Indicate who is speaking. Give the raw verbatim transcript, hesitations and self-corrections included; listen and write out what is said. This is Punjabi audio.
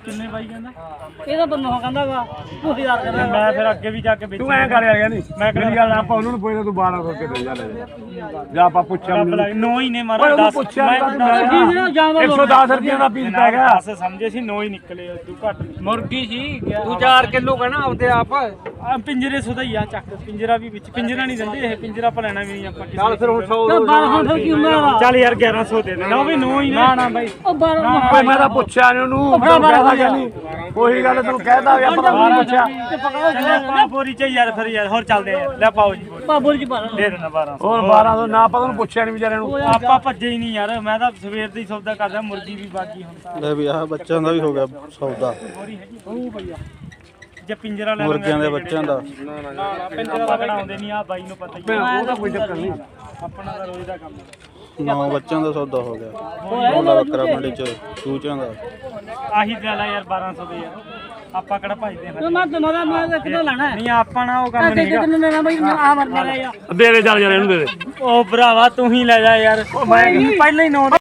Speaker 1: ਕਿੰਨੇ ਬਾਈ ਕਹਿੰਦਾ
Speaker 2: ਇਹਦਾ ਬੰਨੋ ਕਹਿੰਦਾ ਵਾ ਤੂੰ ਯਾਰ ਕਹਿੰਦਾ
Speaker 1: ਮੈਂ ਫਿਰ ਅੱਗੇ ਵੀ ਜਾ ਕੇ ਵੇਚ
Speaker 3: ਤੂੰ ਐਂ ਕਰ ਯਾਰ ਨਹੀਂ ਮੈਂ ਮੇਰੀ ਗੱਲ ਆਪਾਂ ਉਹਨਾਂ ਨੂੰ ਪੁੱਛਦਾ ਤੂੰ ਬਾਰਾਂ ਸੌ ਕੇ ਦੇ ਜਾ ਲੈ ਜਾਂ ਆਪਾਂ ਪੁੱਛਿਆ
Speaker 1: ਨੌ ਹੀ ਨੇ
Speaker 3: ਓਏ
Speaker 1: ਮਾਰਾ
Speaker 3: ਉਹਨੂੰ
Speaker 1: ਦਸ
Speaker 3: ਪੁੱਛਿਆ
Speaker 1: ਮੈਂ
Speaker 3: ਇੱਕ ਸੌ ਦਸ ਰੁਪਏ ਦਾ ਪੀਸ ਪੈ ਗਿਆ
Speaker 1: ਦਸ ਸਮਝੇ ਸੀ ਨੌ ਹੀ ਨਿਕਲੇ ਤੂੰ ਘੱਟ
Speaker 4: ਮੁਰਗੀ ਸੀ ਤੂੰ ਚਾਰ ਕਿਲੋ ਕਹਿਣਾ ਆਪਦੇ ਆਪ
Speaker 1: ਆ ਪਿੰਜਰੇ ਸੁਦਾ ਹੀ ਆ ਚੱਕ ਪਿੰਜਰਾ ਵੀ ਵਿੱਚ ਪਿੰਜਰਾ ਨਹੀਂ ਦਿੰਦੇ ਇਹ ਪਿੰਜਰਾ ਆਪਾਂ ਲੈਣਾ ਵੀ ਨਹੀਂ ਆਪਾਂ ਕਿਸੇ
Speaker 4: ਚੱਲ ਫਿਰ ਹੁਣ ਸੌ
Speaker 2: ਬਾਰਾਂ ਸੌ ਕੀ ਹੁੰਦਾ
Speaker 1: ਚੱਲ ਯਾਰ ਗਿਆਰਾਂ ਸੌ ਦੇ ਦੇ ਨਾ ਉਹ ਵੀ ਨੌ ਹੀ ਨੇ ਨਾ ਨਾ ਬਾਈ
Speaker 2: ਉਹ ਬਾਰਾਂ
Speaker 3: ਓਏ ਮੈਂ ਤਾਂ ਪੁੱਛਿਆ ਨੀ ਉਹਨੂੰ ਤੂੰ ਕਹਿਦਾ ਕਿ ਨਹੀਂ ਉਹੀ ਗੱਲ ਤੈਨੂੰ ਕਹਿਦਾ ਵੀ ਆਪਾਂ ਬਾਰਾਂ ਪੁੱਛਿਆ
Speaker 1: ਪਾ ਪੋਰੀ ਚ ਯਾਰ ਫਿਰ ਯਾਰ ਹੋਰ ਚੱਲਦੇ ਆ ਲੈ ਪਾਓ ਜੀ
Speaker 2: ਬਾਬੂਰ ਜੀ ਬਾਰਾਂ
Speaker 1: ਦੇ ਦੇਣਾ ਬਾਰਾਂ ਸੌ
Speaker 3: ਹੋਰ ਬਾਰਾਂ ਸੌ ਨਾ ਆਪਾਂ ਉਹਨੂੰ ਪੁੱਛਿਆ ਨਹੀਂ ਵਿਚਾਰੇ ਨੂੰ
Speaker 1: ਆਪਾਂ ਭੱਜੇ ਹੀ ਨਹੀਂ ਯਾਰ ਮੈਂ ਤਾਂ ਸਵੇਰ ਦੀ ਸੌਦਾ ਕਰਦਾ ਮੁਰਗੀ ਵੀ ਬਾਕੀ ਹੁਣ ਤਾਂ
Speaker 5: ਲੈ ਵੀ ਆਹ ਬੱਚਿਆਂ ਦਾ ਵੀ ਹੋ ਗਿਆ ਸੌਦਾ
Speaker 1: ਉਹ ਭਈਆ ਜੇ ਪਿੰਜਰਾ ਲੈ
Speaker 5: ਮੁਰਗਿਆਂ ਦੇ ਬੱਚਿਆਂ ਦਾ
Speaker 1: ਪਿੰਜਰਾ ਤਾਂ ਬਣਾਉਂਦੇ ਨਹੀਂ ਆ ਬਾਈ ਨੂੰ ਪਤਾ ਹੀ ਆ
Speaker 3: ਉਹਦਾ ਕੋਈ ਚੱਕਰ ਨਹੀਂ
Speaker 1: ਆਪਣਾ ਤਾਂ ਰੋਜ਼ ਦਾ ਕੰਮ ਹੈ
Speaker 5: ਨੌ ਬੱਚਿਆਂ ਦਾ ਸੌਦਾ ਹੋ ਗਿਆ ਉਹਦਾ ਬੱਕਰਾ ਮੰਡੀ ਚ ਚੂਚਿਆਂ ਦਾ
Speaker 1: ਆਹੀ ਗੱਲ ਆ ਯਾਰ ਬਾਰਾਂ ਸੌ ਦੇ ਯਾਰ ਆਪਾਂ ਕਿਹੜਾ ਭਜਦੇ ਹਾਂ
Speaker 2: ਮੈਂ ਤੁਹਾਡਾ ਮੈਂ ਕਿਹਦਾ ਲੈਣਾ ਹੈ
Speaker 1: ਨਹੀਂ ਆਪਾਂ ਨਾ ਉਹ ਕੰਮ ਨਹੀਂ ਹੈਗਾ
Speaker 2: ਕਿੰਨੇ ਲੈਣਾ ਬਾਈ ਆ ਮਰ ਰਿਹਾ
Speaker 3: ਦੇ ਦੇ ਚੱਲ ਯਾਰ ਇਹਨੂੰ ਦੇ ਦੇ
Speaker 1: ਉਹ ਭਰਾਵਾ ਤੂੰ ਹੀ ਲੈ ਜਾ ਯਾਰ ਪਹਿਲਾਂ ਹੀ ਨੌ